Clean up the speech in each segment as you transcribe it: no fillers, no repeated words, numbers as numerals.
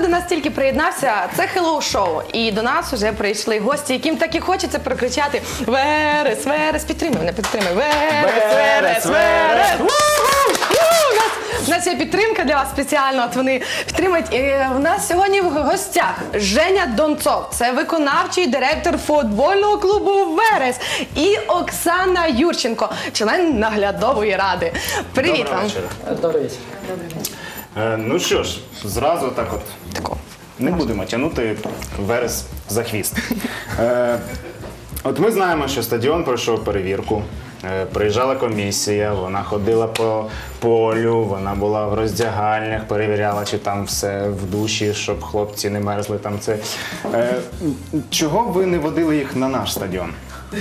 до нас тільки приєднався, це хеллоу-шоу. І до нас вже прийшли гості, яким так і хочеться прокричати «Верес, Верес!» Підтримуй, мене підтримуй. «Верес, Верес, Верес!» У нас є підтримка для вас спеціально, от вони підтримують. І у нас сьогодні в гостях Женя Донцов, це виконавчий директор футбольного клубу «Верес», і Оксана Юрченко, член наглядової ради. Привіт вам. Добрий вечір. Ну що ж, зразу так от не будемо тягнути Верес за хвіст. От ми знаємо, що стадіон пройшов перевірку, приїжджала комісія, вона ходила по полю, вона була в роздягальнях, перевіряла, чи там все в душі, щоб хлопці не мерзли там це. Чого ви не водили їх на наш стадіон?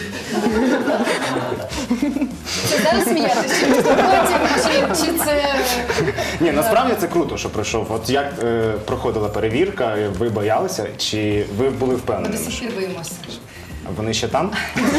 Це зараз сміятися, чи це... Ні, насправді це круто, що пройшов. От як проходила перевірка, ви боялися, чи ви були впевнені? До сих пір боїмося. Вони ще там?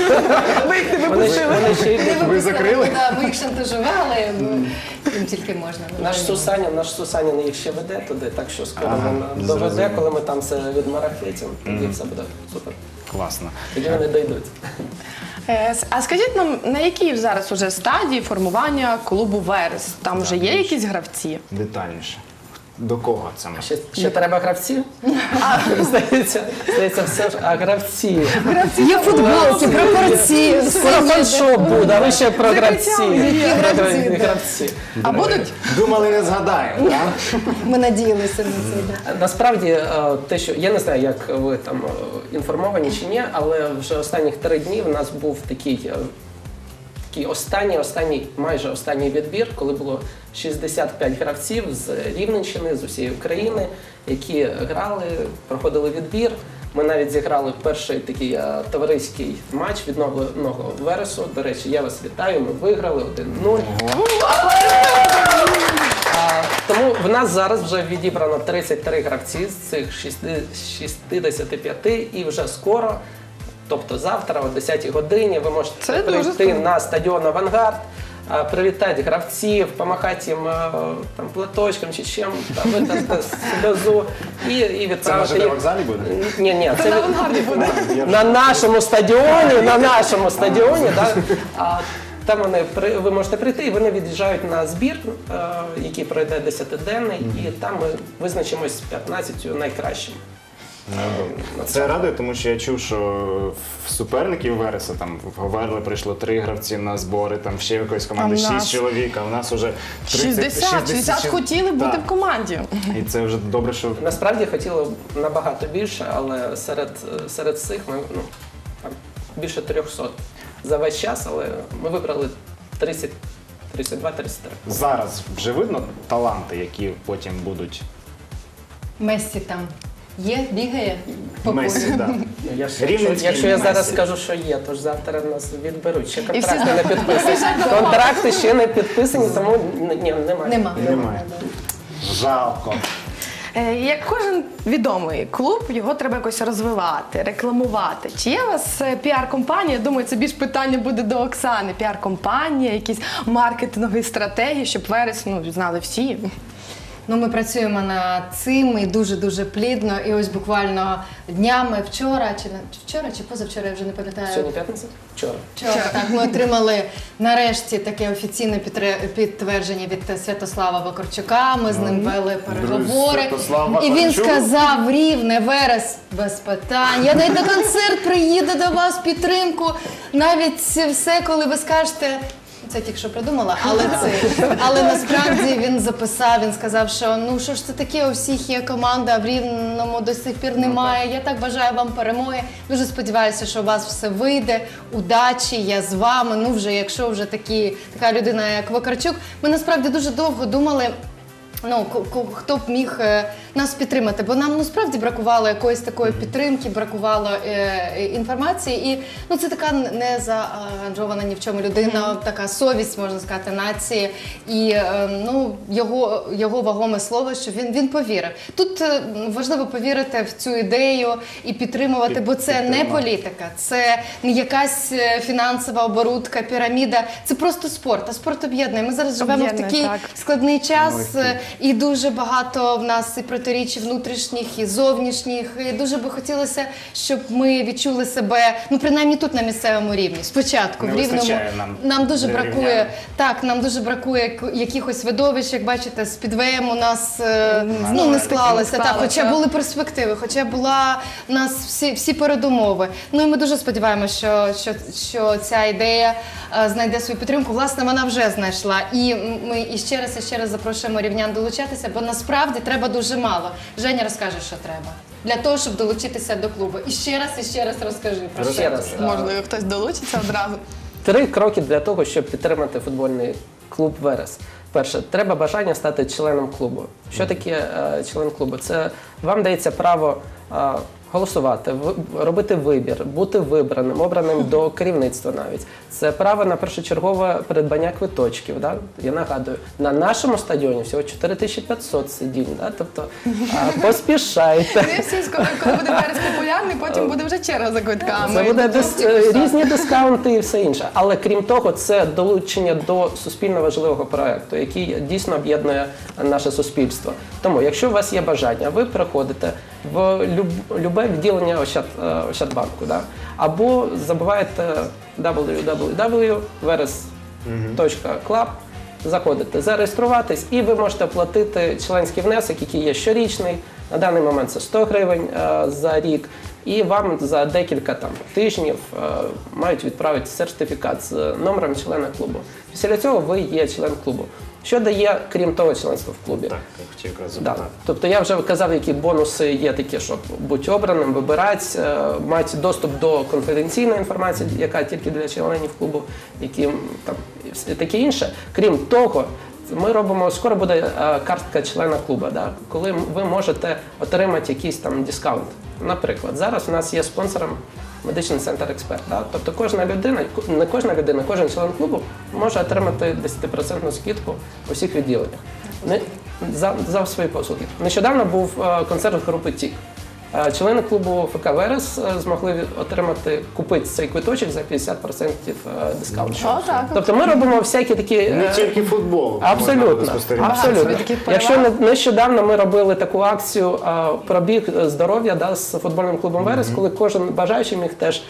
Вони ще йдуть. Ви закрили? Ми їх шантажували, їм тільки можна. Наш Сусанін їх ще веде туди, так що скоро він доведе, коли ми там все відмарафетимо, тоді все буде супер. Класно. Тоді вони дійдуть. А скажіть нам, на якій зараз уже стадії формування клубу «Верес»? Там вже є якісь гравці? Детальніше. До кого це ми? Ще треба гравців? Здається, все ж, а гравці. Є футболки, прапорці, Скоро фан-шоп буде, а ви ще про гравці. гравці. А будуть? Думали, не згадаємо, так? Ми надіялися на це. Насправді, те, що я не знаю, як ви там інформовані чи ні, але вже останніх 3 дні в нас був такий майже останній відбір, коли було 65 гравців з Рівненщини, з усієї України, які грали, проходили відбір. Ми навіть зіграли перший такий товариський матч відновленого Вересу. До речі, я вас вітаю, ми виграли 1-0. Тому в нас зараз вже відібрано 33 гравці з цих 65, і вже скоро, тобто завтра о 10-й годині, ви можете прийти на стадіон «Авангард», привітати гравців, помахати їм там, платочком чи чим, витерти сльозу і відправити. Це на ЖД вокзалі буде? Ні, Це на «Авангарді» буде. на нашому стадіоні, там ви можете прийти, і вони від'їжджають на збір, який пройде 10-денний, і там ми визначимось з 15 найкращими. Це радує, тому що я чув, що в суперників Вереса там в Говерлі прийшло 3 гравці на збори, там ще якоїсь команди 6 чоловік, а в нас вже 60 хотіли бути в команді. І це вже добре, що... Насправді хотіли набагато більше, але серед цих ми там, більше 300 за весь час, але ми вибрали 32-33. Зараз вже видно таланти, які потім будуть... Мессі там є, бігає по Месі, полю. да. Якщо я зараз Месі. скажу, що є, то ж завтра нас відберуть. Ще І всі контракти не підписані. Контракти ще не підписані, тому немає. Немає. Жалко. Як кожен відомий клуб, його треба якось розвивати, рекламувати. Чи є у вас піар-компанія? Думаю, це більш питання буде до Оксани. Піар-компанія, якісь маркетингові стратегії, щоб Верес знали всі. Ми працюємо над цим і дуже-дуже плідно. І ось буквально днями вчора чи позавчора, я вже не пам'ятаю. Сьогодні п'ятниця? Вчора. Так, ми отримали нарешті таке офіційне підтвердження від Святослава Вакарчука. Ми з ним вели переговори. І він сказав: Рівне, Верес, без питань. Я навіть на концерт приїду до вас, підтримку. Навіть все, коли ви скажете... Це тільки що придумала, але насправді він записав, він сказав, що що ж це таке, у всіх є команда, а в Рівному до сих пір немає. Я так бажаю вам перемоги. Дуже сподіваюся, що у вас все вийде. Удачі, я з вами. Якщо вже така людина, як Вакарчук. Ми насправді дуже довго думали, хто б міг нас підтримати, бо нам справді бракувало якоїсь такої підтримки, бракувало інформації, і це така не заангажована ні в чому людина, така совість, можна сказати, нації, і його вагоме слово, що він повірив. Тут важливо повірити в цю ідею і підтримувати, бо це не політика, це не якась фінансова оборудка, піраміда, це просто спорт, а спорт об'єднує. Ми зараз живемо в такий складний час, і дуже багато в нас і протиріч внутрішніх, і зовнішніх. І дуже би хотілося, щоб ми відчули себе, ну принаймні тут на місцевому рівні. Спочатку Не в Рівному вистачає нам дуже для бракує. рівнян. Так, нам дуже бракує якихось видовищ, як бачите, з підвеєм у нас не склалося. Так, хоча були перспективи, хоча була у нас всі передумови. Ну і ми дуже сподіваємося, що ця ідея знайде свою підтримку. Власне, вона вже знайшла. І ми іще раз запрошуємо рівнян долучатися, бо насправді треба дуже мало. Женя розкаже, що треба. Для того, щоб долучитися до клубу. І ще раз розкажи про Ще раз. Можливо, хтось долучиться одразу. 3 кроки для того, щоб підтримати футбольний клуб «Верес». Перше, треба бажання стати членом клубу. Що таке член клубу? Це вам дається право голосувати, робити вибір, бути вибраним, обраним до керівництва навіть. Це право на першочергове придбання квиточків. Да? Я нагадую, на нашому стадіоні всього 4500 сидінь, да? Тобто поспішайте. Не всі, коли буде Верес популярний, потім буде вже черга за квитками. Це буде різні дискаунти і все інше. Але крім того, це долучення до суспільно важливого проекту, який дійсно об'єднує наше суспільство. Тому, якщо у вас є бажання, ви приходите в любе відділення Ощадбанку, да? Або забиваєте www.veres.club, заходите, зареєструватись, і ви можете оплатити членський внесок, який є щорічний. На даний момент це 100 гривень за рік. І вам за декілька тижнів мають відправити сертифікат з номером члена клубу. Після цього ви є член клубу. Що дає, крім того, членство в клубі? Так, я хотів якраз Да. запитати. Тобто я вже казав, які бонуси є такі, щоб бути обраним, вибирати, мати доступ до конфіденційної інформації, яка тільки для членів клубу, які там і таке інше. Крім того, ми робимо, скоро буде картка члена клубу, да, коли ви можете отримати якийсь там дискаунт. Наприклад, зараз у нас є спонсором медичний центр «Експерт». Да? Тобто кожна людина, не кожна людина, кожен член клубу може отримати 10% скидку у всіх відділеннях за свої послуги. Нещодавно був концерт групи «Тік». Члени клубу ФК «Верес» змогли купити цей квиточок за 50% дискаунту. Тобто ми робимо всякі такі... Не тільки футбол. Абсолютно. Абсолютно. Якщо нещодавно ми робили таку акцію «Пробіг здоров'я», да, з футбольним клубом «Верес», коли кожен бажаючий міг теж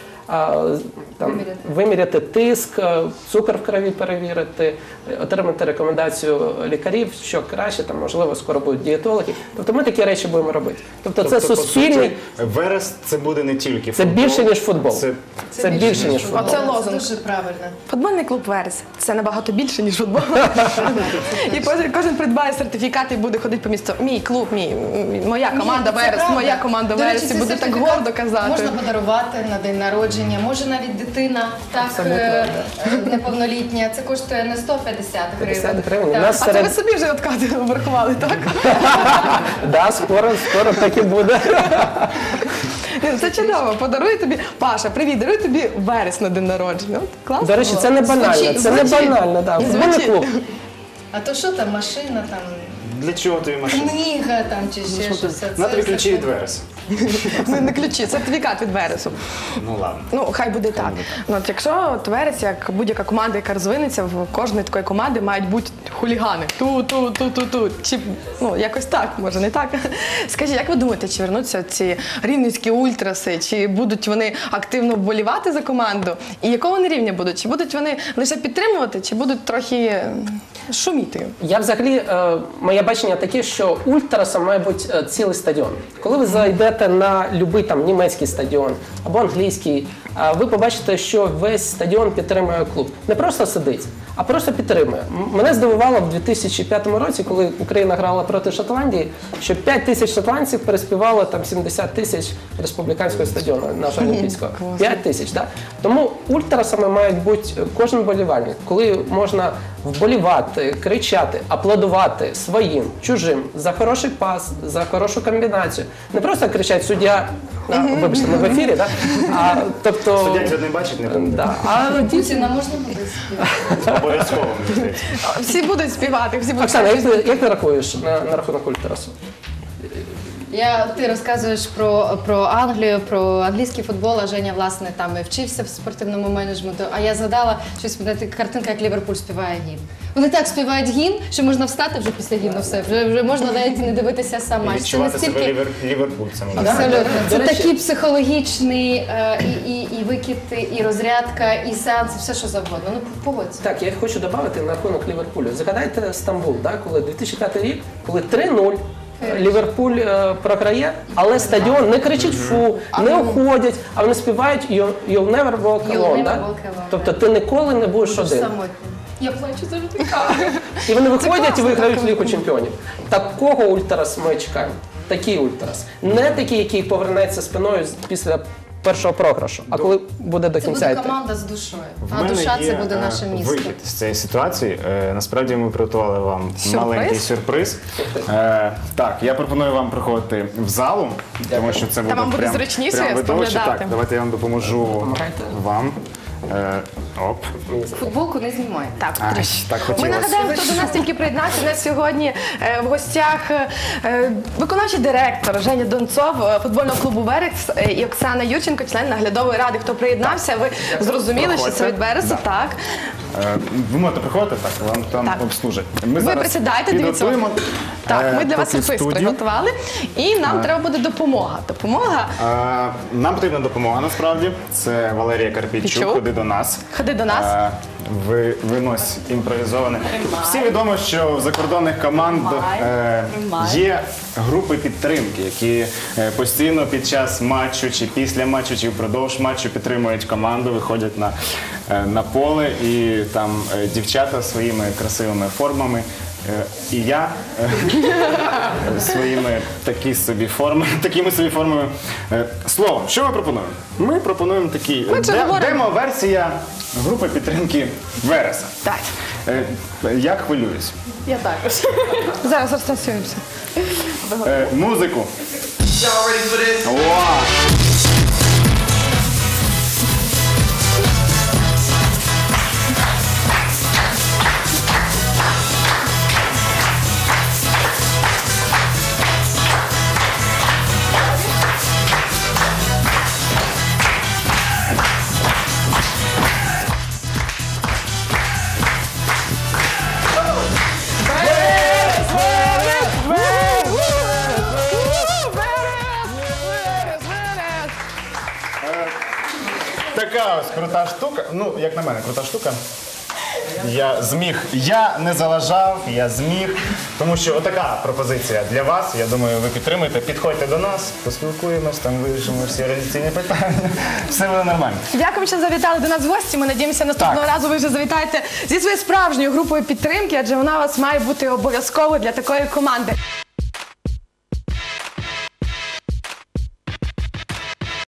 виміряти тиск, цукор в крові перевірити, отримати рекомендацію лікарів, що краще, можливо, скоро будуть дієтологи. Тобто ми такі речі будемо робити. Тобто це суспільний... По суті, Верес – це буде не тільки Це футбол. більше, ніж футбол. Це більше, ніж футбол. Оце лозунг. Дуже правильно. Футбольний клуб «Верес» – це набагато більше, ніж футбол. І кожен придбає сертифікат і буде ходити по місту. Мій клуб, моя команда «Верес», моя команда До речі, «Верес», і цей буде так сертифікат гордо казати. Можна подарувати на день народження, може навіть дитина неповнолітня. Це коштує не 150 гривень. 50 гривень. У Так. нас А це ви собі вже откати обрахували, так? Да, скоро так і буде. Ні, це чудово. Подарує тобі, Паша, привіт, дарує тобі «Верес» на день народження. От, класно. До речі, це не банально. Це не банально, так. Футбольний клуб. А то що там, машина, там, Для чого тобі машина? книга там чи ще щось. На тобі ключі від Вереса. Не ключі, сертифікат від «Вересу». Ну ладно. Ну, хай буде так. Ну, от якщо «Верес», як будь-яка команда, яка розвинеться, в кожної такої команди мають бути хулігани. Ту. Чи, якось так, може не так. Скажіть, як ви думаєте, чи вернуться ці рівненські ультраси, чи будуть вони активно вболівати за команду? І якого вони рівня будуть? Чи будуть вони лише підтримувати, чи будуть трохи шуміти? Я взагалі, моє бачення таке, що ультрасом має бути цілий стадіон. Коли ви зайдете на будь-який німецький стадіон або англійський, ви побачите, що весь стадіон підтримує клуб. Не просто сидить, а просто підтримує. Мене здивувало в 2005 році, коли Україна грала проти Шотландії, що 5 тисяч шотландців переспівало 70 тисяч республіканського стадіону нашого олімпійського. 5 тисяч, так? Тому ультрасами мають бути кожен вболівальник, коли можна вболівати, кричати, аплодувати своїм, чужим, за хороший пас, за хорошу комбінацію. Не просто кричать «суддя», вибачте, ми в ефірі, да? Тобто... Суддя не бачить, не буде. Да. А Путіна можна буде співати? Обов'язково, мені здається. Всі будуть співати, всі будуть Оксана, як ти рахуєш на рахунок ультрасу? Ти розказуєш про Англію, про англійський футбол, а Женя, власне, там і вчився в спортивному менеджменту. А я згадала щось, така картинка, як Ліверпуль співає гімн. Вони так співають гімн, що можна встати вже після гімну, все, вже можна навіть не дивитися сам матч. Це Відчувати себе настільки... ліверпульцем. Абсолютно. Це До речі- такий психологічний і викид, і розрядка, і сеанс, і все що завгодно. Ну, погодься. Так, я хочу додати на рахунок Ліверпулю. Згадайте Стамбул, да, коли 2005 рік, коли 3-0 Ліверпуль програє, але стадіон не кричить фу, не уходять, а вони співають You'll never walk You'll alone. never Да? walk alone, Тобто ти ніколи не будеш один. Самотньо. Я плачу завжди. І вони виходять і класно, виграють так. Лігу чемпіонів. Такого ультрас ми чекаємо. Такий ультрас. Не такий, який повернеться спиною після першого програшу, а коли буде до Це кінця буде йти. команда з душою, В а мене душа є, це буде наше місто. вихід з цієї ситуації. Насправді ми приготували вам Сюрприз? маленький сюрприз. Так, я пропоную вам приходити в залу, тому що це буде вам буде прям зручніше видовище. споглядати. Так, давайте я вам допоможу Допомагайте. вам. Оп. Футболку не знімай. Так, Ай, трішки. так Ми хотілося. нагадаємо, хто до нас тільки приєднався. У нас сьогодні в гостях виконавчий директор Женя Донцов футбольного клубу «Верес» і Оксана Юрченко, член наглядової ради. Хто приєднався, ви зрозуміли, що це від «Вересу», Да. так? Ви можете приходити, так, вам там Так. обслужать. Ми Ви зараз присідайте, дивіться. підготуємо, Так, ми для вас поки сюрприз студію. приготували. І нам треба буде допомога. Допомога. Нам потрібна допомога, насправді. Це Валерія Карпійчук, Пічук. ходи до нас. Ходи до нас. Винось імпровізоване. Всі відомо, що в закордонних команд є групи підтримки, які постійно під час матчу, чи після матчу, чи впродовж матчу підтримують команду, виходять на поле, і там дівчата своїми красивими формами. І я своїми такими собі формами. Словом, що ми пропонуємо? Ми пропонуємо такий Ми це говоримо. демо-версія групи підтримки Вереса. Так. Я хвилююсь. Я також. Зараз розтанцюємося. Музику. Y'all ready for this? О! Така ось крута штука. Ну, як на мене, крута штука. Я не заважав, я зміг. Тому що отака пропозиція для вас. Я думаю, ви підтримуєте. Підходьте до нас, поспілкуємось, там вирішимо всі організаційні питання. Все буде нормально. Дякую, що завітали до нас в гості. Ми надіємося, наступного разу ви вже завітаєте зі своєю справжньою групою підтримки, адже вона у вас має бути обов'язково для такої команди.